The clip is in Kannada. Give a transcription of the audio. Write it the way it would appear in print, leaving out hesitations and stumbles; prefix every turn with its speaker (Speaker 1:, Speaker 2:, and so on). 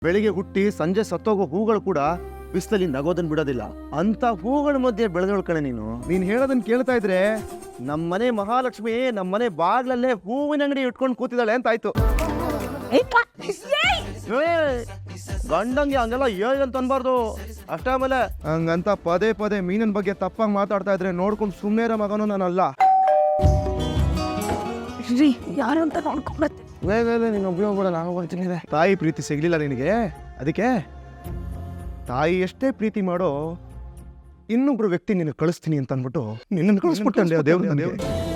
Speaker 1: ಬೆಳಿಗ್ಗೆ ಹುಟ್ಟಿ ಸಂಜೆ ಸತ್ತೋಗೋ ಹೂಗಳು ಕೂಡ ಬಿಸಿಲಲ್ಲಿ ನಗೋದನ್ ಬಿಡೋದಿಲ್ಲ. ಅಂತ ಹೂಗಳ ಮಧ್ಯೆ ಬೆಳೆದೋಳ್ ಕಣೆ ನೀನ್ ಹೇಳೋದನ್ನ ಕೇಳ್ತಾ ಇದ್ರೆ ನಮ್ಮನೆ ಮಹಾಲಕ್ಷ್ಮಿ ನಮ್ಮನೆ ಬಾಗ್ಲಲ್ಲೇ ಹೂವಿನ ಅಂಗಡಿ ಇಟ್ಕೊಂಡು ಕೂತಿದ್ದಾಳೆ ಅಂತ ಆಯ್ತು. ಗಂಡಂಗೆ ಹಂಗೆಲ್ಲ ಅಂತ ಅನ್ಬಾರ್ದು ಅಷ್ಟೇ. ಆಮೇಲೆ ಹಂಗಂತ ಪದೇ ಪದೇ ಮೀನಿನ ಬಗ್ಗೆ ತಪ್ಪಾಗಿ ಮಾತಾಡ್ತಾ ಇದ್ರೆ ನೋಡ್ಕೊಂಡು ಸುಮ್ಮನೆ ಇರೋ ಮಗನು ನಾನಲ್ಲ.
Speaker 2: ಯಾರು ಅಂತ ನೋಡ್ಕೊಂಬತ್ತೆ.
Speaker 1: ನೀನು ಉಪಯೋಗ ಕೂಡ ನಾನು ಬರ್ತೀನಿ. ತಾಯಿ ಪ್ರೀತಿ ಸಿಗ್ಲಿಲ್ಲ ನಿನಗೆ, ಅದಕ್ಕೆ ತಾಯಿ ಎಷ್ಟೇ ಪ್ರೀತಿ ಮಾಡೋ ಇನ್ನೊಬ್ರು ವ್ಯಕ್ತಿ ನಿನಗೆ ಕಳಿಸ್ತೀನಿ ಅಂತ ಅಂದ್ಬಿಟ್ಟು ನಿನ್ನನ್ನು ಕಳಿಸ್ಬಿಟ್ಟಂಡೆ ದೇವ್ರ.